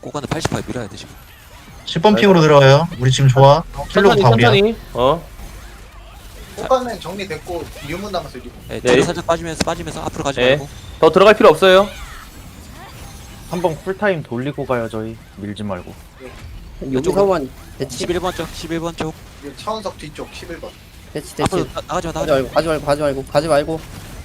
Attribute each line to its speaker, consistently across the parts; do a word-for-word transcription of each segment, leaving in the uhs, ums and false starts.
Speaker 1: 꽃가는 팔십 퍼센트 밀어야 돼 지금.
Speaker 2: 십 번 핑으로 들어가요. 우리 지금 좋아. 킬로그
Speaker 3: 천천히
Speaker 2: 다 우리야.
Speaker 3: 천천히. 어.
Speaker 4: 꽃가는 정리됐고 유문 남았어요. 유문.
Speaker 1: 네,
Speaker 3: 네.
Speaker 1: 뒤로 살짝 빠지면서 빠지면서 앞으로 가지
Speaker 3: 네.
Speaker 1: 말고.
Speaker 3: 더 들어갈 필요 없어요.
Speaker 5: 한번 쿨타임 돌리고 가요 저희. 밀지 말고.
Speaker 6: 여기서만 대치
Speaker 1: 십일 번 쪽, 십일 번 쪽.
Speaker 4: 이 차원석 뒤쪽 십일 번.
Speaker 6: 대치 대치
Speaker 1: 앞으로 나, 나가지 마,
Speaker 6: 가지
Speaker 1: 나가지 마.
Speaker 6: 말고 가지 말고 가지 말고 가지 말고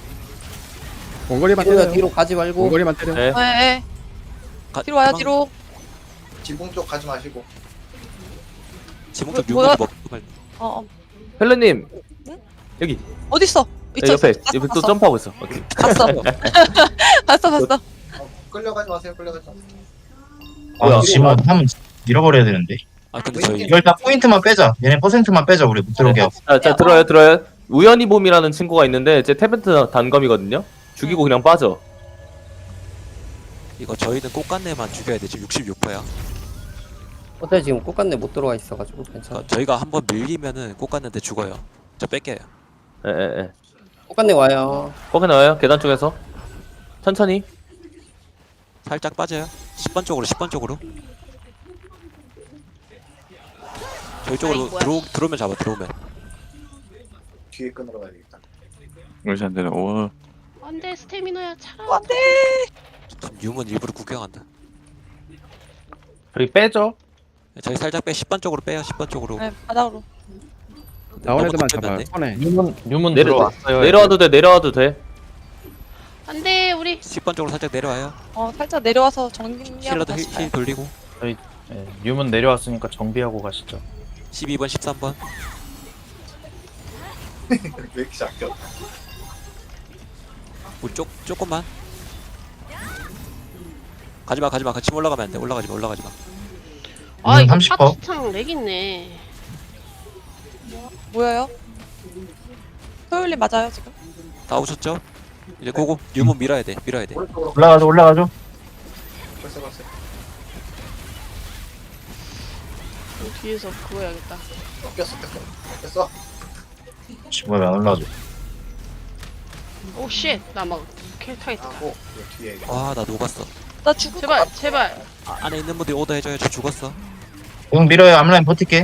Speaker 7: 원거리만
Speaker 6: 뒤로
Speaker 7: 때려요.
Speaker 6: 뒤로 가지 말고
Speaker 7: 원거리만 때려.
Speaker 3: 네.
Speaker 8: 네.
Speaker 1: 가-
Speaker 8: 뒤로 와요
Speaker 1: 도망-
Speaker 8: 뒤로.
Speaker 4: 지붕 쪽 가지 마시고.
Speaker 1: 지붕 쪽
Speaker 8: 뭐야?
Speaker 1: 유물이 먹고 말.
Speaker 8: 어, 어.
Speaker 3: 헬렌님. 여기.
Speaker 8: 어디 있어?
Speaker 3: 네,
Speaker 8: 있어.
Speaker 3: 옆에
Speaker 8: 있어.
Speaker 3: 옆에 또
Speaker 8: 봤어.
Speaker 3: 점프하고 있어. 오케이.
Speaker 8: 봤어. 봤어 봤어.
Speaker 4: 어, 끌려가지 마세요. 끌려가지 마세요.
Speaker 2: 아, 지금 한번 잃어버려야 되는데.
Speaker 1: 아 근데 저희
Speaker 2: 이거 일단 포인트만 빼자. 얘네 퍼센트만 빼자. 우리 못 들어오게 하고.
Speaker 3: 자, 자 들어요 들어요. 우연히 봄이라는 친구가 있는데 제 태벤트 단검이거든요. 죽이고 그냥 빠져.
Speaker 1: 이거 저희는 꽃간내만 죽여야 돼. 지금 육십육 퍼센트야.
Speaker 6: 어때 지금 꽃간내 못 들어와 있어가지고 괜찮아.
Speaker 1: 그러니까 저희가 한번 밀리면은 꽃간내인데 죽어요. 저 뺄게요.
Speaker 3: 예예 예.
Speaker 6: 꽃간내 와요.
Speaker 3: 거기 나와요. 계단 쪽에서. 천천히.
Speaker 1: 살짝 빠져요. 십 번 쪽으로, 십 번 쪽으로. 저희 쪽으로
Speaker 8: 아이, 뭐야.
Speaker 1: 들어 들어오면 잡아. 들어오면.
Speaker 4: 뒤에 끊으러 가야 되겠다.
Speaker 7: 그렇지 안 되네. 오.
Speaker 8: 안돼 스태미너야 차라.
Speaker 1: 지금 유문 일부러 구경한다.
Speaker 5: 저희 빼죠.
Speaker 1: 저희 살짝 빼. 십 번 쪽으로 빼요. 십 번 쪽으로.
Speaker 8: 네 바닥으로.
Speaker 7: 나온
Speaker 1: 너무
Speaker 7: 애들만
Speaker 1: 더 빼면
Speaker 7: 잡아요.
Speaker 1: 안 돼.
Speaker 7: 꺼내.
Speaker 5: 유문 유문
Speaker 3: 내려
Speaker 5: 들어왔어요.
Speaker 3: 내려와도 돼. 내려와도 돼.
Speaker 8: 안돼 우리.
Speaker 1: 십 번 쪽으로 살짝 내려와요.
Speaker 8: 어 살짝 내려와서 정리하고
Speaker 1: 힐러도 힐,
Speaker 8: 다시 가요.
Speaker 1: 힐 돌리고.
Speaker 5: 예, 유문 내려왔으니까 정비하고 가시죠.
Speaker 1: 십이 번, 십삼 번.
Speaker 4: 왜 이렇게 아껴?
Speaker 1: 우리 쪽 조금만. 가지마, 가지마. 같이 올라가면 안 돼. 올라가지 마, 올라가지 마.
Speaker 2: 아, 이거 삼십 퍼센트.
Speaker 8: 파티창 렉 있네. 뭐예요? 토요일에 맞아요 지금?
Speaker 1: 다 오셨죠? 이제 고고. 유문 밀어야 돼. 밀어야 돼.
Speaker 4: 오른쪽으로
Speaker 2: 올라가죠. 올라가죠.
Speaker 4: 벌써 봤어요.
Speaker 8: 뒤에서 그거 해야겠다.
Speaker 4: 어, 꼈어 꼈어. 꼈어.
Speaker 2: 지금 왜안 올라가죠?
Speaker 8: 오 쉣. 나막 켈타겠다.
Speaker 4: 하고 이 뒤에 이거.
Speaker 1: 와, 나 녹았어.
Speaker 8: 나 죽을 제발 제발.
Speaker 1: 아, 안에 있는 분들이 오더 해줘요. 저 죽었어.
Speaker 2: 형 밀어요. 앞라인 버틸게.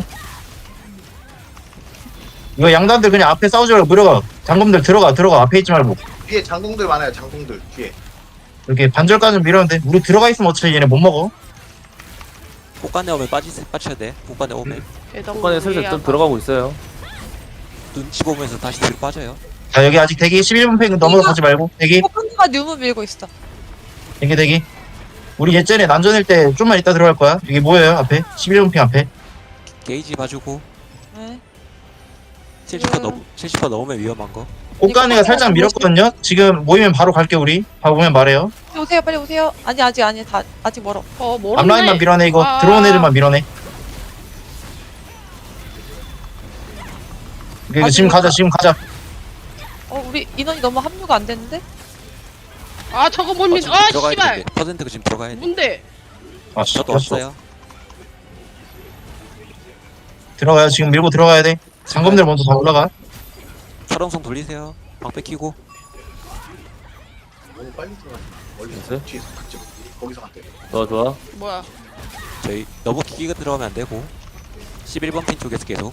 Speaker 2: 이거 양단들 그냥 앞에 싸우지 말고 밀어가. 장검들 들어가. 들어가. 앞에 있지 말고.
Speaker 4: 뒤에 장동들 많아요. 장동들 뒤에.
Speaker 2: 이렇게 반절까지 밀었는데 우리 들어가 있으면 어차피 얘네 못 먹어.
Speaker 1: 꽃간내 오면 빠지, 빠져야 돼. 꽃간내 오면.
Speaker 3: 후반에 슬슬 좀 들어가고 있어요.
Speaker 1: 눈치 보면서 다시 뒤로 빠져요.
Speaker 2: 자, 여기 아직 대기 십일 분 팩 넘어가지 말고. 대기.
Speaker 8: 꽃간내가 뉴문 밀고 있어.
Speaker 2: 대기 대기. 우리 예전에 난전일 때 좀만 이따 들어갈 거야. 여기 뭐예요? 앞에 십일 분 팩 앞에.
Speaker 1: 게이지 봐주고.
Speaker 8: 네.
Speaker 1: 칠십 퍼센트 넘, 칠십 퍼센트 넘으면 위험한 거.
Speaker 2: 꽃가네가 살짝 밀었거든요. 지금 모이면 바로 갈게 우리. 바로 오면 말해요.
Speaker 8: 오세요 빨리 오세요. 아니 아직 아니 다 아직 멀어. 어 멀어.
Speaker 2: 앞라인만 밀어내 이거.
Speaker 8: 아.
Speaker 2: 들어온 애들만 밀어내. 이거 지금 가자. 지금 가자.
Speaker 8: 어 우리 인원이 너무 합류가 안 됐는데?
Speaker 9: 아 저거 못
Speaker 1: 어,
Speaker 9: 믿..
Speaker 1: 지금
Speaker 9: 아
Speaker 1: 들어가야
Speaker 9: 씨발
Speaker 1: 되는데. 퍼센트가 지금 들어가야 돼.
Speaker 9: 뭔데
Speaker 2: 아,
Speaker 1: 저도
Speaker 2: 졌어.
Speaker 1: 없어요.
Speaker 2: 들어가요. 지금 밀고 들어가야 돼. 장검들 먼저 다 올라가.
Speaker 1: 철옹성 돌리세요. 방 뺏기고.
Speaker 4: 너무 빨리 들어가. 멀리
Speaker 3: 됐어요?
Speaker 4: 뒤에서 그쪽 거기서 갔대.
Speaker 3: 좋아 좋아.
Speaker 9: 뭐야
Speaker 1: 저희 너무 기기가 들어가면 안 되고. 십일 번 핀 쪽에서 계속.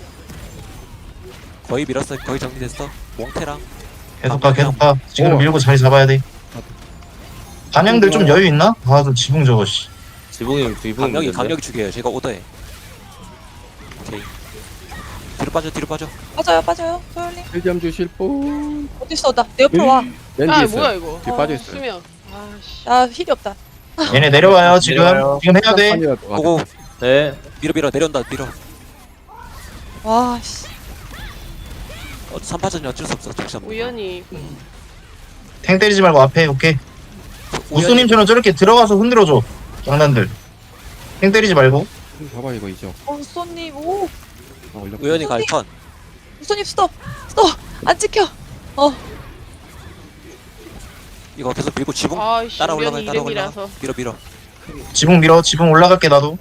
Speaker 1: 거의 밀었어. 거의 정리됐어. 몽테랑.
Speaker 2: 계속 가. 계속 가. 지금
Speaker 7: 오.
Speaker 2: 밀고 자리 잡아야 돼. 반영들 좀 여유 있나? 아, 좀 지붕 저거 씨.
Speaker 3: 지붕이 지붕이
Speaker 1: 강력이
Speaker 3: 있는데.
Speaker 1: 강력이 죽여요. 제가 오더해. 오케이. 뒤로 빠져. 뒤로 빠져.
Speaker 8: 빠져요 빠져요 토요일님.
Speaker 7: 일 점 주실 분.
Speaker 8: 어디 있어 나 내 옆으로 와.
Speaker 7: 렌즈
Speaker 9: 아
Speaker 7: 있어요.
Speaker 9: 뭐야 이거
Speaker 7: 뒤에
Speaker 8: 어,
Speaker 7: 빠져 있어요.
Speaker 9: 수면 아씨
Speaker 8: 나 힐이 없다.
Speaker 2: 얘네 내려와요. 지금.
Speaker 5: 내려와요.
Speaker 2: 지금 해야 돼.
Speaker 7: 한판이라도 와도
Speaker 1: 고고.
Speaker 3: 네.
Speaker 1: 밀어 밀어 내려온다. 밀어.
Speaker 8: 와 씨.
Speaker 1: 어, 삼 파전이 어쩔 수 없어. 정신 없네.
Speaker 9: 우연히
Speaker 2: 탱 때리지 말고 앞에. 오케이. 우수님처럼 저렇게 들어가서 흔들어줘. 장난들. 탱 때리지 말고.
Speaker 7: 봐봐 이거 이죠.
Speaker 8: 어 우소님 오
Speaker 7: 아, 올려.
Speaker 1: 우연히 갈 턴.
Speaker 8: 우소님 스톱 스톱 안 찍혀. 어
Speaker 1: 이거 계속 밀고 지붕
Speaker 9: 아이씨
Speaker 1: 따라
Speaker 9: 우연히
Speaker 1: 올라가. 따라 올라가.
Speaker 9: 이름이라서
Speaker 1: 밀어 밀어.
Speaker 2: 지붕 밀어. 지붕 올라갈게 나도.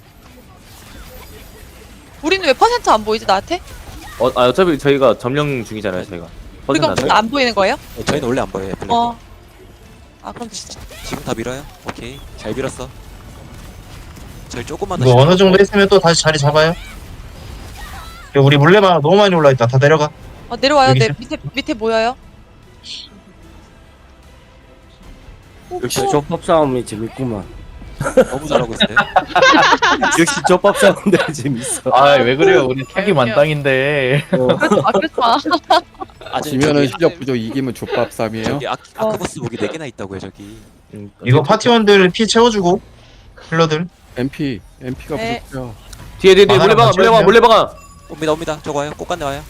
Speaker 8: 우리는 왜 퍼센트 안 보이지 나한테?
Speaker 3: 어, 아 어차피 저희가 점령 중이잖아요. 저희가.
Speaker 8: 우리가
Speaker 3: 퍼센트
Speaker 8: 무슨 안 보이는 거예요?
Speaker 1: 어, 저희는 원래 안 보여요. 블랙.
Speaker 8: 어. 아 그럼 진짜.
Speaker 1: 지금 다 밀어요. 오케이. 잘 밀었어. 저희 조금만 더
Speaker 2: 이거 어느
Speaker 1: 시켜놓고
Speaker 2: 정도 했으면 또 다시 자리 잡아요. 야, 우리 물레방 너무 많이 올라있다. 다 내려가.
Speaker 8: 어, 내려와요.
Speaker 2: 여기
Speaker 8: 네,
Speaker 2: 있어요?
Speaker 8: 밑에 밑에 모여요.
Speaker 1: 역시
Speaker 6: 조법 싸움이 재밌구만.
Speaker 1: 너무 잘하고 있어요.
Speaker 6: 역시 조법 싸움들 재밌어.
Speaker 5: 아 왜 그래요? 우리 사기 만땅인데.
Speaker 8: 아, 그렇지 마.
Speaker 1: 아직
Speaker 7: 지면은
Speaker 1: 저기,
Speaker 7: 실력 부족, 이기면 족밥 쌈이에요.
Speaker 1: 저기 아,
Speaker 8: 어.
Speaker 1: 아크보스 무기 네 개나 있다고요 저기.
Speaker 2: 이거 파티원들 피 채워주고. 힐러들.
Speaker 7: 엠피, 엠피가
Speaker 8: 네.
Speaker 7: 부족해요.
Speaker 3: 뒤에 뒤에 뒤에
Speaker 2: 막아라,
Speaker 3: 물레방아 물레방아
Speaker 2: 맞춰야
Speaker 3: 물레방아.
Speaker 1: 옵니다 옵니다. 저거 와요. 꽃간내 와요.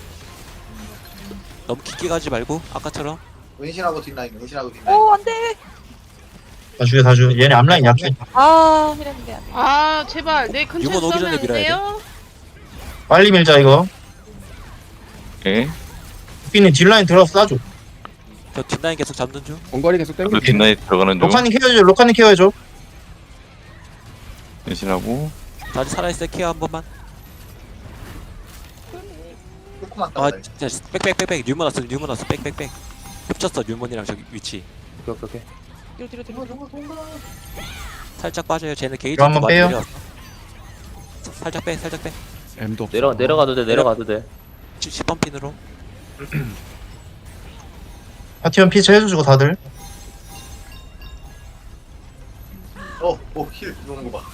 Speaker 1: 너무 깊게 가지 말고 아까처럼.
Speaker 4: 은신하고 뒷라인, 은신하고 뒷라인.
Speaker 8: 오, 안 돼.
Speaker 2: 다 죽여, 다 죽여. 얘네 앞라인 약해.
Speaker 8: 아, 이랬는데 안 돼.
Speaker 9: 아 제발 내 근처에
Speaker 1: 유머 오기 전에
Speaker 9: 쏘면 안
Speaker 1: 밀어야 돼.
Speaker 9: 돼요?
Speaker 2: 빨리 밀자, 이거.
Speaker 7: 예.
Speaker 2: 삐님 뒷라인 들어서 쏴줘.
Speaker 1: 저 뒷라인 계속 잡는 중.
Speaker 7: 원거리 계속 땡겨.
Speaker 10: 뒷라인 들어가는 중
Speaker 2: 로카님 케어해줘, 로카님 케어해줘.
Speaker 10: 대신하고
Speaker 1: 다시 살아있어요. 케어 한 번만.
Speaker 4: 조금만
Speaker 1: 아
Speaker 4: 따라.
Speaker 1: 진짜 빽빽빽빽 뉴먼 왔어 뉴먼 왔어 빽빽빽. 겹쳤어 뉴먼이랑 저기 위치.
Speaker 3: 오케이 오케이.
Speaker 8: 뒤로 뒤로 뒤로. 뒤로.
Speaker 1: 살짝 빠져요. 쟤는 게이지
Speaker 2: 이거 한번
Speaker 1: 많이
Speaker 2: 빼요.
Speaker 1: 내려왔어. 사- 살짝 빼 살짝 빼.
Speaker 7: M도 없어.
Speaker 3: 내려 내려가도 돼 내려가도 돼.
Speaker 1: 십 번 핀으로.
Speaker 2: 파티원 피 채워주고 다들.
Speaker 4: 어, 오, 힐 들어오는 거 봐.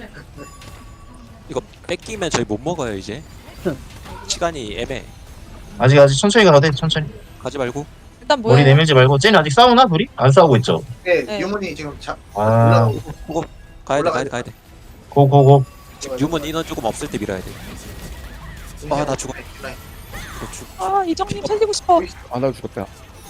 Speaker 1: 이거 뺏기면 저희 못 먹어요 이제. 시간이 애매.
Speaker 2: 아직 아직 천천히 가도 돼, 천천히.
Speaker 1: 가지 말고.
Speaker 8: 일단
Speaker 2: 머리
Speaker 8: 모여요.
Speaker 2: 내밀지 말고. 쟤네 아직 싸우나, 둘이? 안 싸우고 있죠.
Speaker 4: 네,
Speaker 8: 네.
Speaker 4: 유문이 지금 자,
Speaker 2: 아,
Speaker 4: 올라오고.
Speaker 1: 가야 돼
Speaker 4: 올라가야
Speaker 1: 가야 돼 가야 돼.
Speaker 2: 고고고.
Speaker 1: 지금 유먼 인원 조금 없을 때 밀어야 돼. 아, 나 죽어.
Speaker 4: 뒷라인.
Speaker 1: 그렇죠.
Speaker 8: 아, 이정님 살리고 싶어.
Speaker 7: 아, 나 죽었다.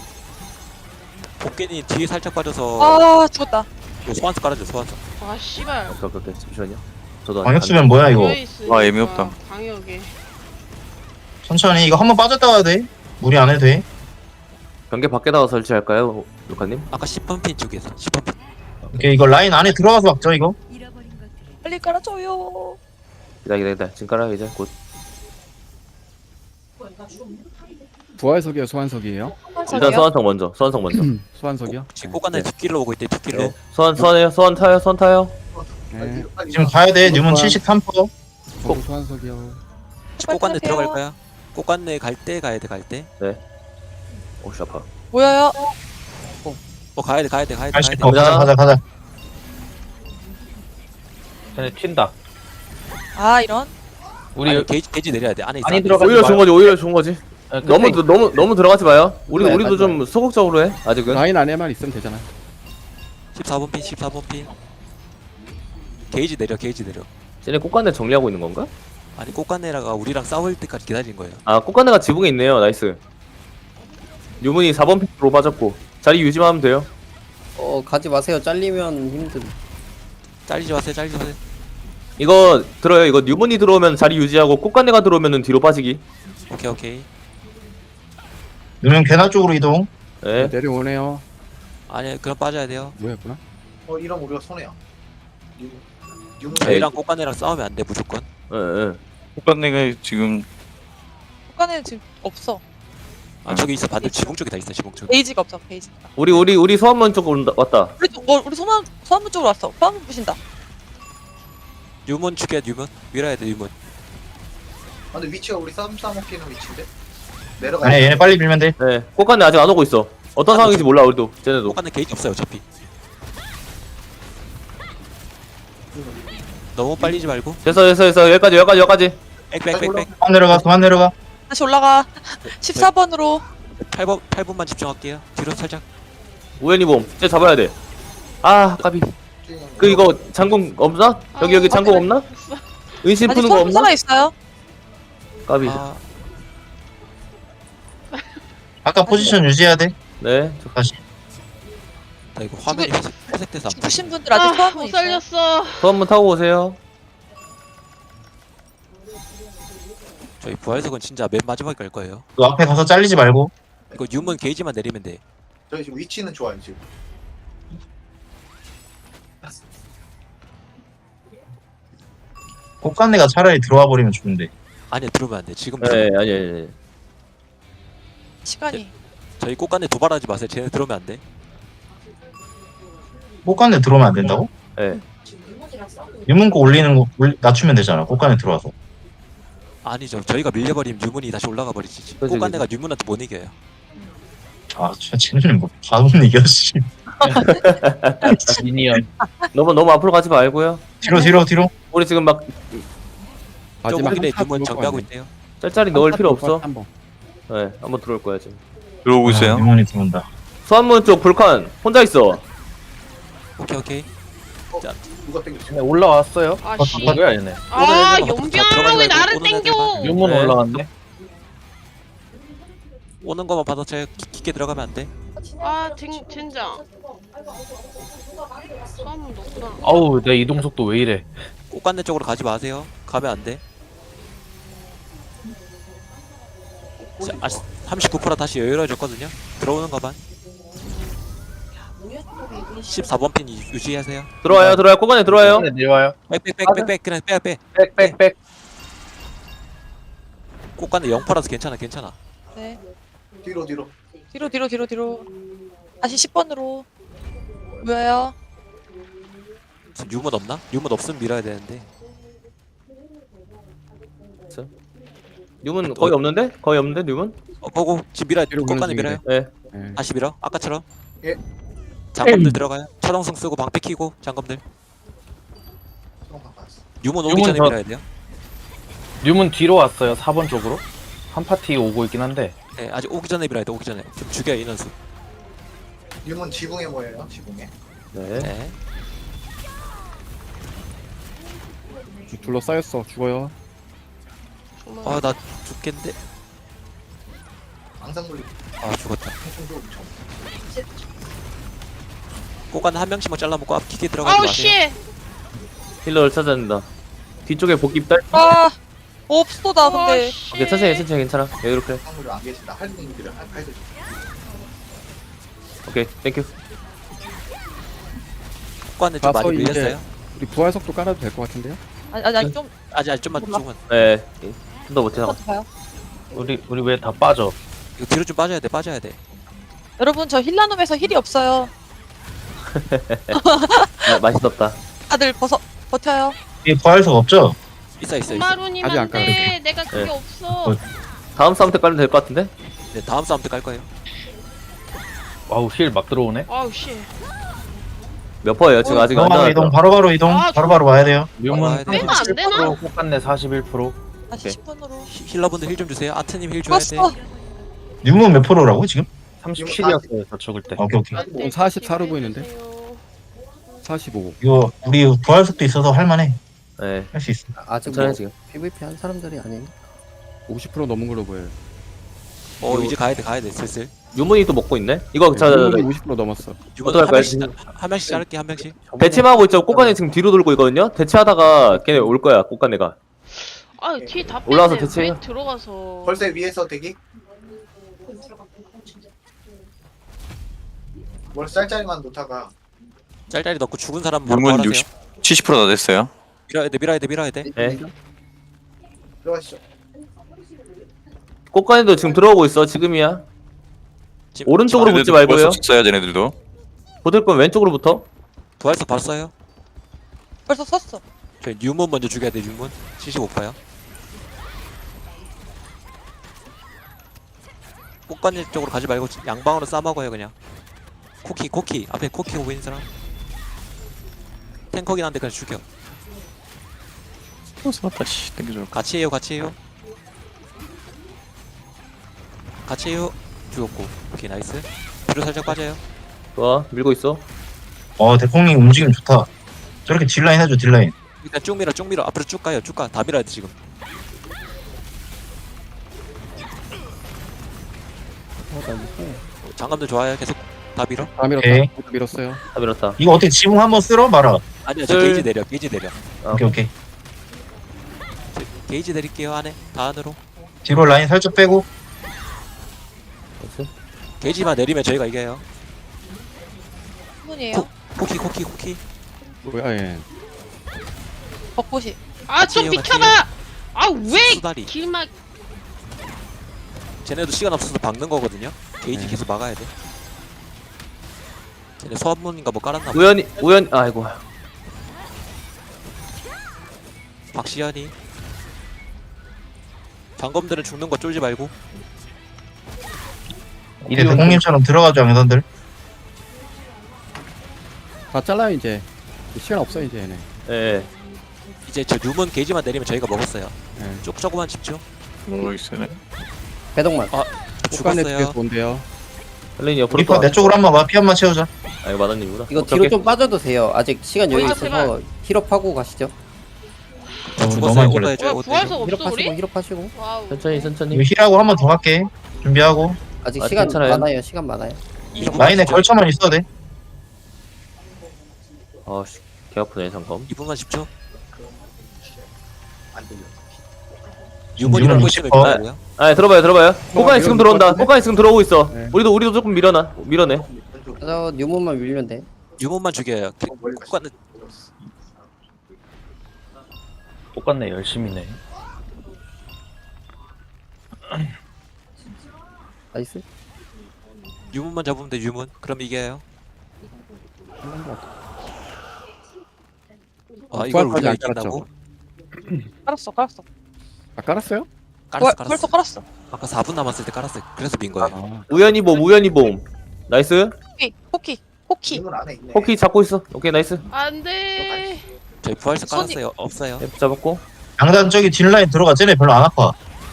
Speaker 1: 복귀니 뒤에 살짝 빠져서
Speaker 8: 아, 죽었다.
Speaker 1: 요 소환수 깔아줘 소환수.
Speaker 9: 아 씨발.
Speaker 3: 오케이 오케이 오케이. 잠시만요. 저도
Speaker 2: 광역 수면 뭐야, 이거.
Speaker 10: 와, 의미 없다.
Speaker 9: 방역에.
Speaker 2: 천천히. 이거 한번 빠졌다 가야 돼. 무리 안 해도 돼.
Speaker 3: 경계 밖에다가 설치할까요, 루카님?
Speaker 1: 아까 십 번 핀 쪽에서 십 번 핀.
Speaker 2: 오케이, 이거 라인 안에 들어가서 막죠, 이거.
Speaker 8: 빨리 깔아줘요.
Speaker 3: 기다 기다 기다. 지금 깔아 이제 곧.
Speaker 7: 부활석이에요, 소환석이에요?
Speaker 3: 일단 소환성 먼저. 소환성 먼저.
Speaker 7: 소환석이요?
Speaker 1: 지금 꽃간날 뒷길로 오고 있대 뒷길로.
Speaker 3: 네. 소환 소환해요. 소환 타요. 소환 타요.
Speaker 7: 네.
Speaker 2: 지금 가야 돼. 뉴문 칠십삼 퍼센트.
Speaker 7: 저도 소환석이요.
Speaker 1: 지금 꽃간날
Speaker 8: 빨리
Speaker 1: 들어갈 거야. 꽃간날 갈 때 가야 돼 갈 때.
Speaker 3: 오씨 아파.
Speaker 8: 모여요.
Speaker 1: 어 가야 돼 가야 돼 가야 돼
Speaker 2: 아이씨,
Speaker 1: 가야 돼.
Speaker 2: 어, 가자, 가자, 가자.
Speaker 5: 쟤네 튄다.
Speaker 8: 아, 이런.
Speaker 5: 우리
Speaker 1: 아니, 게이지 게이지 내려야 돼 안에 있어.
Speaker 5: 많이
Speaker 1: 안에
Speaker 5: 들어가-
Speaker 3: 오히려 좋은 거지. 오히려 좋은 거지.
Speaker 5: 아,
Speaker 3: 너무
Speaker 5: 끝내-
Speaker 3: 너무 너무 들어가지 마요. 우리
Speaker 5: 네,
Speaker 3: 우리도
Speaker 5: 맞아요.
Speaker 3: 좀 소극적으로 해. 아직은.
Speaker 7: 라인 안에만 있으면 되잖아.
Speaker 1: 십사 번 핀 십사 번 핀. 게이지 내려 게이지 내려.
Speaker 3: 쟤네 꽃간내 정리하고 있는 건가?
Speaker 1: 아니 꽃간내라가 우리랑 싸울 때까지 기다린 거예요.
Speaker 3: 아 꽃간내가 지붕에 있네요. 나이스. 유문이 사 번 픽으로 빠졌고 자리 유지만 하면 돼요.
Speaker 6: 어, 가지 마세요. 잘리면 힘든.
Speaker 1: 잘리지 마세요 잘리지 마세요.
Speaker 3: 이거 들어요. 이거 유문이 들어오면 자리 유지하고 꽃간내가 들어오면은 뒤로 빠지기.
Speaker 1: 오케이 오케이.
Speaker 2: 뉴문 개나 쪽으로 이동.
Speaker 3: 네.
Speaker 7: 내려오네요.
Speaker 1: 아니 그럼 빠져야 돼요.
Speaker 7: 뭐였구나?
Speaker 4: 어, 이러면 우리가 손해야. 유- 유문.
Speaker 1: 저희랑 꽃간내랑 싸우면 안 돼 무조건.
Speaker 3: 예, 예.
Speaker 10: 꽃간내가 지금
Speaker 8: 국간에는 지금 없어.
Speaker 1: 아 저기 있어 반대 지붕 쪽에 다 있어 지붕 쪽에.
Speaker 8: 베이지가 없어. 베이지가.
Speaker 3: 우리 우리 우리 소환문 쪽 온다, 왔다.
Speaker 8: 우리 또- 어, 우리 소만 소환문 쪽으로 왔어. 소환문 부신다.
Speaker 1: 유문 죽여 유문 밀어야 돼 유문.
Speaker 4: 아, 근데 위치가 우리 싸움 싸먹기는 위치인데? 내려가.
Speaker 2: 아니, 얘네 빨리 밀면 돼.
Speaker 3: 네. 꽃간내 아직 안 오고 있어. 어떤 상황인지 몰라 우리도. 쟤네도.
Speaker 1: 꽃간내 게이지 없어요 어차피. 너무 빨리지 말고.
Speaker 3: 됐어 됐어 됐어. 여기까지 여기까지 여기까지.
Speaker 1: 빽빽빽빽.
Speaker 2: 그만 내려가, 그만 내려가.
Speaker 8: 다시 올라가. 십사 번으로.
Speaker 1: 팔 번 팔 분만 집중할게요. 뒤로 살짝.
Speaker 3: 우연히 봄. 쟤 잡아야 돼. 아 까비. 그 이거 장군 없나? 여기 여기 장군 없나? 은신
Speaker 8: 아직
Speaker 3: 푸는 거
Speaker 8: 소환문
Speaker 3: 없나?
Speaker 8: 살아 있어요.
Speaker 3: 까비.
Speaker 1: 아
Speaker 2: 아까 포지션 유지해야 돼.
Speaker 3: 네.
Speaker 2: 다시.
Speaker 1: 나 이거 화면이 회색, 회색돼서 안 보여.
Speaker 8: 죽으신 분들 아직 소환문
Speaker 9: 못
Speaker 8: 있어요.
Speaker 9: 살렸어.
Speaker 3: 소환문 타고 오세요.
Speaker 1: 저희 부활석은 진짜 맨 마지막에 갈 거예요.
Speaker 2: 그 앞에 가서 잘리지 말고.
Speaker 1: 이거 유문 게이지만 내리면 돼.
Speaker 4: 저희 지금 위치는 좋아요, 지금.
Speaker 2: 꽃간내가 차라리 들어와 버리면 좋은데.
Speaker 1: 아니야 들어오면 안 돼. 지금
Speaker 3: 네 아니 아니 아니.
Speaker 8: 시간이.
Speaker 1: 저희 꽃간내 도발하지 마세요. 쟤네 들어오면 안 돼.
Speaker 2: 꽃간내 들어오면 안 된다고?
Speaker 3: 네.
Speaker 2: 유문코 올리는 거 올- 낮추면 되잖아. 꽃간에 들어와서.
Speaker 1: 아니죠. 저희가 밀려버리면 유문이 다시 올라가 버리지.
Speaker 3: 그치,
Speaker 1: 꽃간내가 유문한테 못 이겨요.
Speaker 2: 아, 진짜 쟤는 뭐 바보 이겨 씨.
Speaker 5: 미니언.
Speaker 3: 너무 너무 앞으로 가지 말고요.
Speaker 2: 뒤로 뒤로 뒤로.
Speaker 3: 우리 지금 막
Speaker 1: 조금 전에
Speaker 7: 한
Speaker 1: 유문
Speaker 7: 번
Speaker 1: 정비하고 있대요.
Speaker 3: 짤짤이 넣을 필요 없어.
Speaker 7: 한번
Speaker 3: 네, 한번 들어올 거야 지금.
Speaker 10: 들어오고 있어요.
Speaker 2: 아, 유문이 들어온다.
Speaker 3: 수안문 쪽 불칸 혼자 있어.
Speaker 1: 오케이 오케이. 자,
Speaker 4: 누가 땡겼어?
Speaker 5: 얘네 올라왔어요.
Speaker 9: 아씨.
Speaker 5: 뭐야 얘네.
Speaker 9: 아
Speaker 1: 오늘
Speaker 9: 연병아 왜
Speaker 1: 들어가지
Speaker 9: 나를
Speaker 1: 말고 오는
Speaker 9: 땡겨?
Speaker 5: 유문
Speaker 3: 네.
Speaker 5: 올라왔네.
Speaker 1: 오는 거만 받아 쳐 깊게 들어가면 안 돼.
Speaker 9: 아 젠, 젠장. 수학문 넣구나.
Speaker 5: 아우 내 이동 속도 왜 이래.
Speaker 1: 꽃간내 쪽으로 가지 마세요. 가면 안 돼. 자, 아, 삼십구 퍼센트 다시 여유로워졌거든요. 들어오는 거만. 십사 번 핀 유- 유지하세요.
Speaker 3: 들어와요 들어와요 꼬간에 들어와요.
Speaker 5: 네, 내려와요.
Speaker 1: 백백백백백 그냥 빼야 빼.
Speaker 5: 백백백.
Speaker 1: 꽃간내 영 퍼라서 괜찮아 괜찮아.
Speaker 8: 네.
Speaker 4: 뒤로 뒤로.
Speaker 8: 뒤로 뒤로 뒤로 뒤로. 다시 십 번으로. 뭐예요?
Speaker 1: 지금 유문 없나? 유문 없으면 밀어야 되는데.
Speaker 3: 뉴문 거의 없는데? 거의 없는데 뉴문?
Speaker 1: 어, 보고 지금 밀어야 돼.
Speaker 7: 뒤로
Speaker 1: 꽃간내
Speaker 7: 보내주기
Speaker 1: 밀어요.
Speaker 3: 네.
Speaker 7: 예.
Speaker 1: 다시 밀어. 아까처럼.
Speaker 4: 예.
Speaker 1: 장검들 들어가요. 차동성 쓰고 방패 키고 장검들.
Speaker 4: 수동 바꿨어.
Speaker 1: 유문 오기
Speaker 5: 유문
Speaker 1: 전에
Speaker 5: 더-
Speaker 1: 밀어야 돼요.
Speaker 5: 뉴문 뒤로 왔어요. 사 번 쪽으로. 한 파티 오고 있긴 한데.
Speaker 1: 네, 아직 오기 전에 밀어야 돼. 오기 전에. 좀 죽여 인원수.
Speaker 4: 유문 지붕에 뭐예요? 지붕에.
Speaker 3: 네.
Speaker 1: 네.
Speaker 7: 둘러싸였어. 죽어요.
Speaker 1: 아, 나 죽겠는데.
Speaker 4: 앙상물리
Speaker 1: 아, 죽었다.
Speaker 4: 총도 엄청.
Speaker 1: 꽃간내 한 명씩만 잘라먹고 앞 기계 들어가지
Speaker 9: 아우
Speaker 1: 마세요.
Speaker 3: 힐러를 찾아야 된다. 뒤쪽에 복귀 딸.
Speaker 8: 아 없어다 근데.
Speaker 3: 오케이 천천히 천천히 괜찮아. 예 이렇게.
Speaker 4: 앙상물이 안 계신다. 할머니들을 할 팔들.
Speaker 3: 오케이 땡큐.
Speaker 1: 꽃간내 좀 많이
Speaker 7: 가서 이제-
Speaker 1: 밀렸어요.
Speaker 7: 우리 부활 속도 깔아도 될 것 같은데요?
Speaker 8: 아니 아니 아니 좀
Speaker 1: 아직 아직 좀만 조금만.
Speaker 3: 네. 좀 더 못해
Speaker 8: 한
Speaker 3: 나가.
Speaker 8: 번 더 봐요.
Speaker 5: 우리 우리 왜 다 빠져?
Speaker 1: 이거 뒤로 좀 빠져야 돼. 빠져야 돼.
Speaker 8: 여러분 저 힐라놈에서 힐이 없어요.
Speaker 3: 아, 맛있었다.
Speaker 8: 다들 벗어 버텨요.
Speaker 2: 이 부활석 없죠?
Speaker 1: 있어 있어 있어.
Speaker 7: 아직 안
Speaker 9: 마루님한테 내가 그게
Speaker 3: 네.
Speaker 9: 없어.
Speaker 3: 다음 싸움 때 깔면 될 것 같은데?
Speaker 1: 네, 다음 싸움 때 깔 거예요.
Speaker 5: 와우 힐 막 들어오네.
Speaker 9: 아우 씨.
Speaker 3: 몇 퍼예요? 지금 아직 안
Speaker 2: 바로바로 이동
Speaker 3: 나왔어.
Speaker 2: 바로바로 이동
Speaker 9: 아,
Speaker 2: 바로바로 와야 돼요.
Speaker 5: 뉴문
Speaker 1: 빼면
Speaker 9: 안 되나?
Speaker 5: 꽃간내 사십일 퍼센트.
Speaker 8: 다시
Speaker 3: 오케이.
Speaker 8: 십 번으로.
Speaker 1: 히- 힐러분들 힐 좀 주세요. 아트님 힐 줘야 돼.
Speaker 8: 죽었어.
Speaker 2: 유문 몇 프로라고 지금?
Speaker 5: 삼십칠이었어요. 저 죽을 때.
Speaker 2: 오케이 오케이.
Speaker 7: 어, 사십사로 보이는데? 사십오.
Speaker 2: 이거 우리 부활석도 있어서 할만해.
Speaker 3: 네.
Speaker 2: 할 수 있어.
Speaker 6: 아직
Speaker 3: 괜찮아요
Speaker 6: 뭐
Speaker 3: 지금.
Speaker 6: 피브이피 한 사람들이 아니니?
Speaker 7: 오십 퍼센트 넘은 걸로 보여요.
Speaker 1: 어, 이제 가야 돼. 가야 돼. 슬슬.
Speaker 3: 유문이 또 먹고 있네. 이거 자, 자, 자,
Speaker 7: 유문이 오십 퍼센트 넘었어.
Speaker 1: 유문
Speaker 3: 어떡할
Speaker 1: 한
Speaker 3: 거야,
Speaker 1: 명씩 한 명씩 자를게. 한 명씩.
Speaker 3: 대치하고 있죠. 꽃간에 지금 뒤로 돌고 있거든요. 대치하다가 걔네 올 거야. 꽃간내가.
Speaker 9: 아뒤다
Speaker 3: 올라와서
Speaker 9: 뺐네.
Speaker 3: 대체해요.
Speaker 9: 왜 들어가서.
Speaker 4: 벌새 위에서 대기. 뭘 쌀짤만 놓다가
Speaker 1: 짤짤이 넣고 죽은 사람 바로
Speaker 10: 유문
Speaker 1: 부활하세요.
Speaker 10: 육십, 칠십 퍼센트 다 됐어요.
Speaker 1: 밀어야 돼. 밀어야 돼. 밀어야 돼.
Speaker 3: 네.
Speaker 4: 들어가시죠.
Speaker 3: 꽃간에도 지금 들어오고 있어. 지금이야.
Speaker 1: 지금
Speaker 3: 오른쪽으로 붙지
Speaker 10: 쟤네들도
Speaker 3: 말고요.
Speaker 10: 벌써 써요, 쟤네들도.
Speaker 3: 붙을 건 왼쪽으로부터.
Speaker 1: 부활석 봤어요.
Speaker 8: 벌써 섰어.
Speaker 1: 저 유문 먼저 죽여야 돼. 유문. 칠십오 퍼요. 꽃간일 쪽으로 가지 말고 양방으로 싸먹어요 그냥. 코키 코키 앞에 코키 오고 있는 사람. 탱커긴 한데 그냥 죽여.
Speaker 10: 어, 살았다, 씨. 땡겨줘.
Speaker 1: 같이 해요 같이 해요. 같이 해요. 죽었고. 오케이 나이스. 뒤로 살짝 빠져요.
Speaker 3: 좋아. 밀고 있어.
Speaker 2: 어 대콩님 움직임 좋다. 저렇게 딜라인 해줘 딜라인.
Speaker 1: 일단 쭉 밀어 쭉 밀어. 앞으로 쭉 가요 쭉 가. 다 밀어야 돼 지금. 어, 장갑들 좋아요. 계속 다 밀어.
Speaker 7: 다 밀었다.
Speaker 2: 오케이.
Speaker 7: 모두 밀었어요.
Speaker 3: 다 밀었다.
Speaker 2: 이거 어떻게 지붕 한번 쓸어 말아.
Speaker 1: 아니야 저
Speaker 3: 둘.
Speaker 1: 게이지 내려 게이지 내려.
Speaker 3: 아,
Speaker 2: 오케이 오케이.
Speaker 1: 저 게이지 내릴게요 안에 다 안으로.
Speaker 2: 뒤로 라인 살짝 빼고.
Speaker 3: 됐어.
Speaker 1: 게이지만 내리면 저희가 이겨요.
Speaker 8: 분이에요.
Speaker 1: 코- 코키 코키 코키.
Speaker 7: 뭐야 얘.
Speaker 8: 벚꽃이.
Speaker 9: 아 좀
Speaker 1: 같이 해요,
Speaker 9: 비켜봐. 아왜
Speaker 1: 수다리.
Speaker 9: 길막.
Speaker 1: 쟤네도 시간 없어서 박는 거거든요. 게이지
Speaker 7: 네.
Speaker 1: 계속 막아야 돼. 쟤네 소환문인가 뭐 깔았나 봐.
Speaker 3: 우연히 우연 아이고.
Speaker 1: 박시현이. 장검들은 죽는 거 쫄지 말고.
Speaker 2: 오케이, 대공님처럼 들어가죠 양선들.
Speaker 7: 다 잘라요 이제. 시간 없어 이제 얘네.
Speaker 3: 예.
Speaker 1: 이제 저 유문 게이지만 내리면 저희가 먹었어요.
Speaker 7: 예.
Speaker 1: 쭉 조그만 집중.
Speaker 10: 모르겠어요.
Speaker 6: 배동만.
Speaker 7: 국간에
Speaker 1: 죽었어요.
Speaker 7: 뒤에서 본대요.
Speaker 3: 헬렌이 옆으로
Speaker 2: 리퍼
Speaker 3: 또.
Speaker 2: 내 쪽으로 한번 와. 피 한번 채우자.
Speaker 3: 아 이거 마다님이구나.
Speaker 6: 이거
Speaker 3: 오케이,
Speaker 6: 뒤로
Speaker 3: 오케이.
Speaker 6: 좀 빠져도 돼요. 아직 시간 여유
Speaker 9: 어,
Speaker 6: 있어서
Speaker 9: 제발.
Speaker 6: 힐업하고 가시죠.
Speaker 2: 어, 우리 너무
Speaker 1: 죽었어요.
Speaker 2: 많이
Speaker 1: 오더
Speaker 2: 걸렸어.
Speaker 1: 해줘요.
Speaker 9: 뭐야
Speaker 1: 오더
Speaker 9: 부활석
Speaker 1: 해줘.
Speaker 9: 없어
Speaker 6: 힐업하시고
Speaker 9: 우리?
Speaker 6: 힐업하시고.
Speaker 9: 와우.
Speaker 3: 천천히 천천히.
Speaker 2: 이거 힐하고 한 번 더 갈게. 준비하고.
Speaker 6: 아직
Speaker 3: 아직
Speaker 6: 시간
Speaker 3: 괜찮아요.
Speaker 6: 많아요. 시간 많아요.
Speaker 1: 이 분
Speaker 2: 라인에
Speaker 1: 집중.
Speaker 2: 걸쳐만 있어도 돼.
Speaker 3: 아씨 개 아프네 잠깐.
Speaker 1: 이 분만 집중.
Speaker 4: 안 들려.
Speaker 1: 유문이
Speaker 2: 유문
Speaker 1: 먹고
Speaker 2: 육십
Speaker 1: 있으면
Speaker 2: 퍼.
Speaker 1: 뭐야?
Speaker 3: 아 들어봐요 들어봐요. 꽃간이
Speaker 7: 이거
Speaker 3: 지금
Speaker 7: 이거
Speaker 3: 들어온다.
Speaker 7: 같은데?
Speaker 3: 꽃간이 지금 들어오고 있어.
Speaker 7: 네.
Speaker 3: 우리도 우리도 조금 밀어놔. 밀어내.
Speaker 6: 그래서 뉴문만 밀면 돼.
Speaker 1: 유문만 죽여요. 국가는
Speaker 5: 똑같네 열심히네.
Speaker 6: 나이스.
Speaker 1: 유문만 잡으면 돼. 유문. 그럼 이겨요. 아 이걸
Speaker 7: 부활까지
Speaker 1: 우리가
Speaker 7: 안
Speaker 1: 이긴다고?
Speaker 8: 깔았어 깔았어.
Speaker 7: 아 깔았어요?
Speaker 1: 깔았어
Speaker 8: 부활,
Speaker 1: 깔았어.
Speaker 8: 벌써 깔았어.
Speaker 1: 아까 사 분 남았을 때 깔았어요. 그래서 민 거예요.
Speaker 7: 아,
Speaker 3: 우연히 봄 우연히 봄. 나이스.
Speaker 8: 포키 포키 포키.
Speaker 4: 이건 안에 있네.
Speaker 3: 호키 잡고 있어. 오케이 나이스.
Speaker 9: 안돼.
Speaker 1: 저희 부활석
Speaker 8: 손이-
Speaker 1: 깔았어요. 없어요.
Speaker 3: F 잡았고.
Speaker 2: 양단 저기 뒷라인 들어가. 쟤네 별로 안 아파.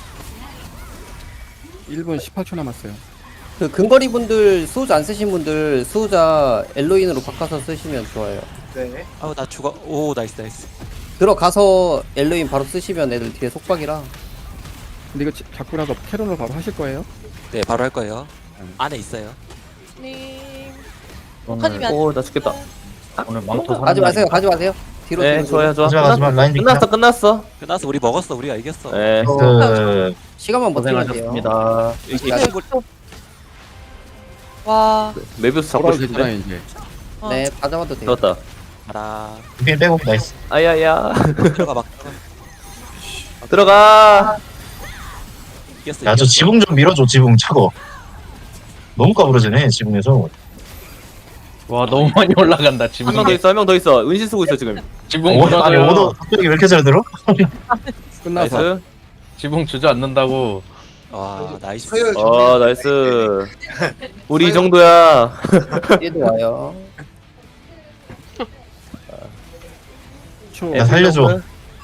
Speaker 7: 일 분 십팔 초 남았어요.
Speaker 6: 그 근거리 분들 수호자 안 쓰신 분들 수호자 엘로인으로 바꿔서 쓰시면 좋아요.
Speaker 4: 네.
Speaker 1: 아우 나 죽어. 오 나이스 나이스.
Speaker 6: 들어가서 엘로인 바로 쓰시면 애들 뒤에 속박이라.
Speaker 7: 근데 이거 지- 잡고 나서 캐롤로 바로 하실 거예요?
Speaker 1: 네 바로 할 거예요. 안에 있어요.
Speaker 8: 님.
Speaker 5: 오늘
Speaker 8: 북한이면
Speaker 3: 오 나 죽겠다.
Speaker 5: 오늘 망토 사는
Speaker 6: 가지 마세요.
Speaker 5: 날이니까.
Speaker 6: 가지 마세요. 뒤로
Speaker 3: 네
Speaker 6: 뒤로,
Speaker 3: 좋아요 좋아.
Speaker 2: 하지마 하지마. 라인
Speaker 3: 끝났어 끝났어.
Speaker 1: 끝났어. 우리 먹었어. 우리가 이겼어.
Speaker 3: 네.
Speaker 2: 그
Speaker 6: 시간만 버티면 돼요.
Speaker 5: 고생하셨습니다.
Speaker 1: 이게
Speaker 6: 나-
Speaker 1: 친구
Speaker 8: 와.
Speaker 3: 메비우스 잡고
Speaker 7: 돌아도
Speaker 3: 싶은데.
Speaker 7: 되잖아요 이제.
Speaker 8: 어.
Speaker 6: 네, 다 잡아도 돼요.
Speaker 3: 들었다.
Speaker 1: 가라.
Speaker 2: 힐 빼고 나이스.
Speaker 3: 아야야.
Speaker 1: 들어가 막 들어가.
Speaker 3: 들어가.
Speaker 1: 이겼어.
Speaker 2: 야 저
Speaker 1: 이겼어.
Speaker 2: 지붕 좀 밀어줘. 지붕 차고. 너무 까부러지네 지붕에서.
Speaker 5: 와 너무 많이 올라간다 지붕.
Speaker 3: 한 명 더 있어 한 명 더 있어. 은신 쓰고 있어 지금.
Speaker 5: 지붕
Speaker 2: 오, 아니
Speaker 5: 무너져요.
Speaker 2: 오더 갑자기 왜 이렇게 잘 들어?
Speaker 7: 끝나서
Speaker 3: 나이스.
Speaker 5: 지붕 주저앉는다고.
Speaker 1: 와 나이스.
Speaker 4: 서열
Speaker 3: 어 나이스. 우리 이 정도야.
Speaker 6: 뒤에도 와요.
Speaker 7: 초.
Speaker 2: 야, 살려줘.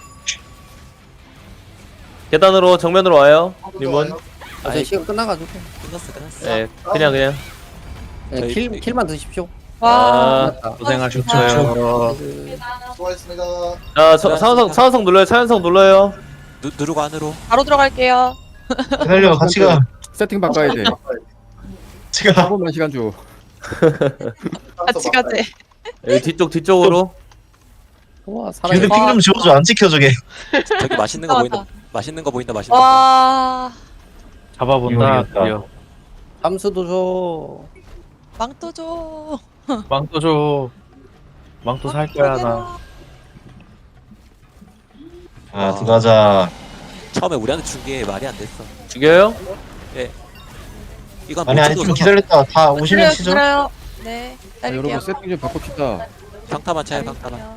Speaker 3: 계단으로 정면으로 와요. 님은.
Speaker 6: 아, 저희 시간 끝나가지고
Speaker 1: 끝났어 끝났어.
Speaker 3: 네 그냥 그냥.
Speaker 6: 그냥
Speaker 1: 저희-
Speaker 6: 킬 킬만 드십시오.
Speaker 8: 와.
Speaker 3: 아.
Speaker 6: 끝났다.
Speaker 5: 고생하셨어요.
Speaker 6: 그,
Speaker 4: 수고하셨습니다.
Speaker 3: 자 차- 차원석 차원석 눌러요. 차원석 눌러요.
Speaker 1: 누, 누르고 안으로.
Speaker 8: 바로 들어갈게요.
Speaker 2: 살려 같이 가.
Speaker 7: 세팅 바꿔야 돼.
Speaker 2: 같이 가.
Speaker 7: 한 번만 시간 줘.
Speaker 8: 같이 가재.
Speaker 3: 여기 뒤쪽 뒤쪽으로.
Speaker 6: 와 살아.
Speaker 2: 걔들 핑좀 지워줘. 안 찍혀 저게.
Speaker 1: 저기 맛있는 거 보인다.
Speaker 8: 맞아.
Speaker 1: 맛있는 거 보인다. 맛있는 거.
Speaker 8: 와.
Speaker 5: 잡아본다.
Speaker 2: 이거
Speaker 5: 드디어.
Speaker 6: 잠수도 줘.
Speaker 8: 망토 줘.
Speaker 5: 망토 줘. 망토 살 거야 나.
Speaker 2: 아 들어가자.
Speaker 1: 처음에 우리한테 준 게 말이 안 됐어.
Speaker 3: 죽여요?
Speaker 1: 이건
Speaker 2: 아니 아니
Speaker 1: 못
Speaker 2: 좀
Speaker 1: 찍어서
Speaker 2: 기다렸다. 다 오시면
Speaker 8: 그래요
Speaker 2: 치죠.
Speaker 8: 그래요. 네.
Speaker 7: 아, 여러분
Speaker 8: 딸게요.
Speaker 7: 세팅 좀 바꿉시다.
Speaker 1: 평타만 차요. 평타만.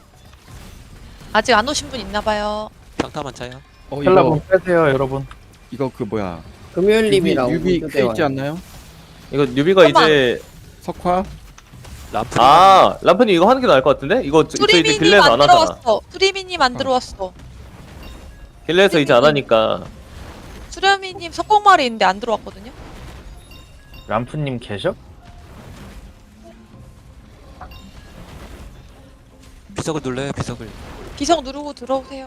Speaker 8: 아직 안 오신 분 있나 봐요.
Speaker 1: 평타만 차요.
Speaker 7: 어 이거
Speaker 5: 헬라분 빼세요 여러분.
Speaker 7: 이거 그 뭐야?
Speaker 6: 금요일님이랑
Speaker 7: 유비
Speaker 6: 우주대
Speaker 7: 그 있지
Speaker 6: 와요.
Speaker 7: 않나요?
Speaker 3: 이거 뉴비가
Speaker 8: 잠깐만.
Speaker 3: 이제
Speaker 7: 석화?
Speaker 1: 람프.
Speaker 3: 아 람프님 이거 하는 게 나을 것 같은데? 이거 저, 저 이제
Speaker 8: 수리미님
Speaker 3: 길레에서
Speaker 8: 안
Speaker 3: 안 하잖아.
Speaker 8: 들어왔어. 수리미님 안 들어왔어.
Speaker 3: 길레에서 이제 안 하니까.
Speaker 8: 수렴이님 석공말이 있는데 안 들어왔거든요.
Speaker 5: 람프님 계셔?
Speaker 1: 비석을 눌러요. 비석을.
Speaker 8: 비석 누르고 들어오세요.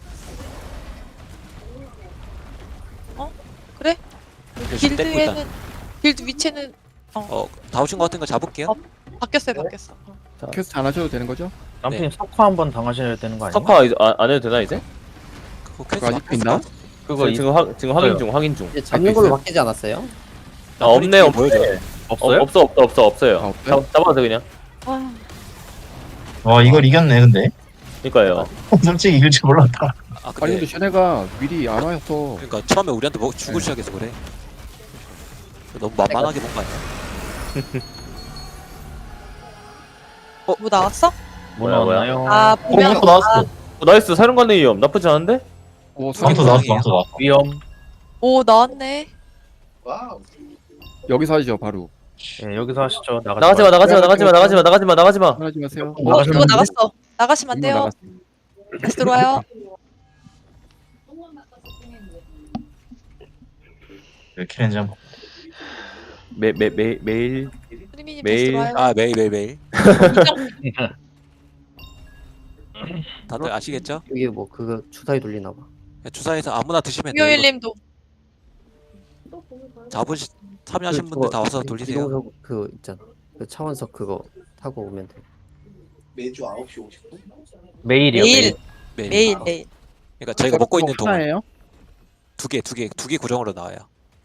Speaker 8: 어? 그래?
Speaker 1: 열심히 때리고 있다.
Speaker 8: 길드에는 길드 위치는
Speaker 1: 어 다우신 거 같은 거 잡을게요.
Speaker 8: 어. 바뀌었어요, 바뀌었어. 어.
Speaker 7: 퀘스트 안 하셔도 되는 거죠?
Speaker 5: 람프님 석화 한번 당하셔야 되는 거 아니야?
Speaker 3: 석화 이제 안, 안 해도 되나 이제?
Speaker 1: 그거
Speaker 7: 그거
Speaker 1: 퀘스트
Speaker 7: 아직도 있나?
Speaker 5: 그거
Speaker 3: 지금,
Speaker 5: 이-
Speaker 3: 지금, 확, 지금 확인 중 확인 중.
Speaker 6: 이제 잡는 걸로 바뀌지 않았어요?
Speaker 3: 아 없네 없네.
Speaker 1: 보여줘.
Speaker 5: 없어요?
Speaker 3: 어, 없어 없어 없어 없어요.
Speaker 7: 아, 없어요?
Speaker 3: 잡, 잡아도 돼 그냥.
Speaker 8: 아,
Speaker 2: 와 이걸 이겼네 근데.
Speaker 3: 그니까요.
Speaker 2: 솔직히 이길 줄 몰랐다.
Speaker 1: 아
Speaker 7: 아니
Speaker 1: 근데
Speaker 7: 근데 쟤네가 미리 안 와서
Speaker 1: 그러니까 처음에 우리한테 뭐 죽을
Speaker 7: 네.
Speaker 1: 시작해서 그래. 너무 만만하게 본 거 아니야?
Speaker 8: 뭐 나왔어?
Speaker 5: 뭐
Speaker 3: 뭐야, 뭐야?
Speaker 5: 나왔나요?
Speaker 8: 아,
Speaker 2: 어
Speaker 8: 보면
Speaker 2: 또 나왔어.
Speaker 3: 어, 나이스 사령관의 위험 나쁘지 않은데?
Speaker 7: 오,
Speaker 2: 망토
Speaker 7: 수경
Speaker 2: 나왔어 망토 나왔어.
Speaker 5: 위험.
Speaker 8: 오 나왔네.
Speaker 4: 와우.
Speaker 7: 여기서 하시죠 바로.
Speaker 5: 예, 여기서 하시죠. 나가지,
Speaker 3: 나가지마 나가지마 나가지마 나가지마 나가지마 나가지마.
Speaker 7: 하지 마세요.
Speaker 8: 어
Speaker 5: 나가시면
Speaker 8: 누가
Speaker 5: 안 돼?
Speaker 8: 나갔어. 나가시면 안 돼요.
Speaker 7: 나갔어.
Speaker 8: 다시 들어와요.
Speaker 2: 왜 키렌지 한번.
Speaker 3: 매매 매 매일
Speaker 8: 프리미님 다시
Speaker 3: 매일-
Speaker 8: 들어와요.
Speaker 1: 아 매일 매일 매일. 다들 아시겠죠?
Speaker 6: 이게 뭐 그거 주사위 돌리나 봐.
Speaker 1: 주사에서 아무나 드시면 돼요. 이거
Speaker 8: 금요일님도
Speaker 1: 자부시 참여하신
Speaker 6: 그
Speaker 1: 분들
Speaker 6: 저거
Speaker 1: 다 와서 돌리세요.
Speaker 6: 이동석 그 있잖아. 그 차원석 그거 타고 오면 돼.
Speaker 4: 매주 아홉 시 오십 분?
Speaker 5: 매일이요.
Speaker 8: 매일
Speaker 1: 매일.
Speaker 8: 매일 매일.
Speaker 1: 그러니까 저희가 먹고 있는 동안
Speaker 7: 하나예요?
Speaker 1: 두 개, 두 개, 두 개 고정으로 나와요.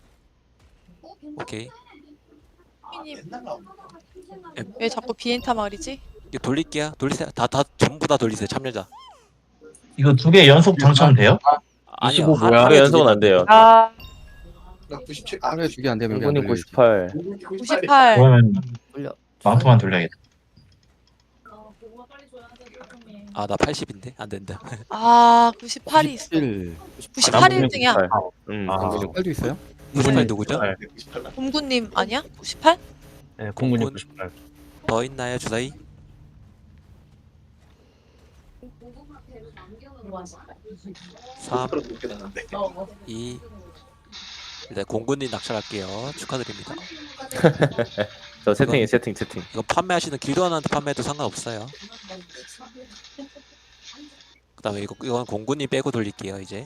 Speaker 1: 오케이.
Speaker 8: 프리미님
Speaker 4: 맨날 나오고.
Speaker 8: 왜 자꾸 비엔타 말이지?
Speaker 1: 이거 돌릴게요. 돌리세요. 다, 다 전부 다 돌리세요. 참여자.
Speaker 2: 이거 두 개 연속 당첨돼요?
Speaker 1: 아니요.
Speaker 5: 이십오
Speaker 1: 하-
Speaker 5: 뭐야?
Speaker 1: 하루에
Speaker 3: 하루
Speaker 1: 두
Speaker 3: 연속은
Speaker 1: 개.
Speaker 3: 안 돼요.
Speaker 4: 나 구십칠. 아,
Speaker 7: 하루에 두개 안 되면 여기 안
Speaker 3: 공군님
Speaker 7: 돌려야지.
Speaker 3: 구십팔.
Speaker 8: 구십팔.
Speaker 2: 그러면
Speaker 6: 돌려.
Speaker 2: 망토만 돌려야겠다.
Speaker 1: 아, 나 팔십인데 안 된다.
Speaker 8: 아 구십팔이 있어.
Speaker 7: 일.
Speaker 8: 구십팔이 일 등이야.
Speaker 3: 음.
Speaker 5: 아.
Speaker 3: 공군님
Speaker 7: 팔도 있어요?
Speaker 1: 구십팔 누구죠?
Speaker 5: 네.
Speaker 4: 구십팔 나.
Speaker 8: 공구님 아니야? 구십팔?
Speaker 5: 예, 공군님
Speaker 1: 공군.
Speaker 5: 구십팔.
Speaker 1: 더 있나요, 주사위? 삼,
Speaker 4: 프로 높게 나는데.
Speaker 1: 이. 일단 공군님 낙찰할게요. 축하드립니다.
Speaker 3: 저 채팅이 채팅 채팅.
Speaker 1: 이거 판매하시는 길드원한테 판매해도 상관없어요. 그다음에 이거 이건 공군님 빼고 돌릴게요. 이제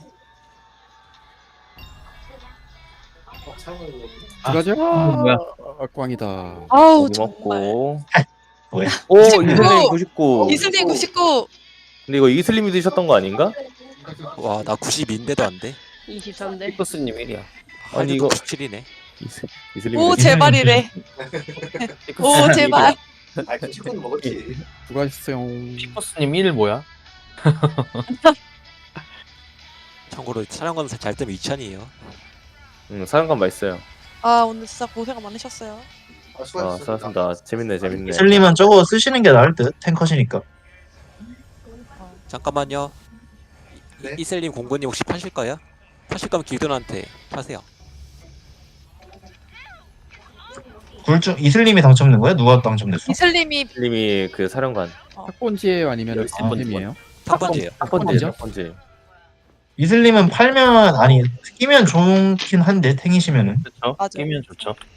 Speaker 4: 어, 사용을
Speaker 7: 들어가죠?
Speaker 5: 뭐야?
Speaker 7: 아, 꽝이다.
Speaker 8: 아우
Speaker 3: 고기
Speaker 8: 정말.
Speaker 3: 먹고.
Speaker 2: 뭐야?
Speaker 3: 오
Speaker 8: 구십구.
Speaker 3: 이슬림 구십구.
Speaker 8: 이슬님 구십구.
Speaker 3: 근데 이거 이슬림이 드셨던 거 아닌가?
Speaker 1: 와, 나 구십인데도 안 돼.
Speaker 9: 이십삼 대.
Speaker 6: 피커스님 일이야.
Speaker 3: 아니, 이거-
Speaker 1: 구십칠이네.
Speaker 3: 이슬 이슬림.
Speaker 8: 오 제발이래. 오 제발.
Speaker 4: 아, 그 친구는 먹었지.
Speaker 7: 수고하셨어요.
Speaker 5: 피커스님 일 뭐야?
Speaker 1: 참고로 촬영관 잘 뜨면 이천이에요.
Speaker 3: 응 사령관 맛있어요.
Speaker 8: 아 오늘 진짜 고생 많으셨어요.
Speaker 4: 아,
Speaker 3: 아
Speaker 4: 수고하셨습니다.
Speaker 3: 수고하셨습니다. 재밌네 재밌네.
Speaker 2: 슬림은 저거 쓰시는 게 나을 듯. 탱커시니까.
Speaker 1: 잠깐만요.
Speaker 4: 네?
Speaker 1: 이- 이슬님 공군님 혹시 파실 거예요? 파실 거면 길드원한테 파세요.
Speaker 2: 굴중 이슬림이 당첨된 거야? 누가 당첨됐어?
Speaker 8: 이슬님이
Speaker 3: 이슬림이 그 사령관.
Speaker 7: 탁본지예요 아니면
Speaker 3: 열세 번
Speaker 7: 엠엠이에요?
Speaker 1: 첫 번째요.
Speaker 3: 첫 번째
Speaker 7: 번째요?
Speaker 3: 첫 번째.
Speaker 2: 이슬림은 팔면 아니 끼면 좋긴 한데 탱이시면은
Speaker 5: 그렇죠.
Speaker 8: 맞아.
Speaker 5: 끼면 좋죠.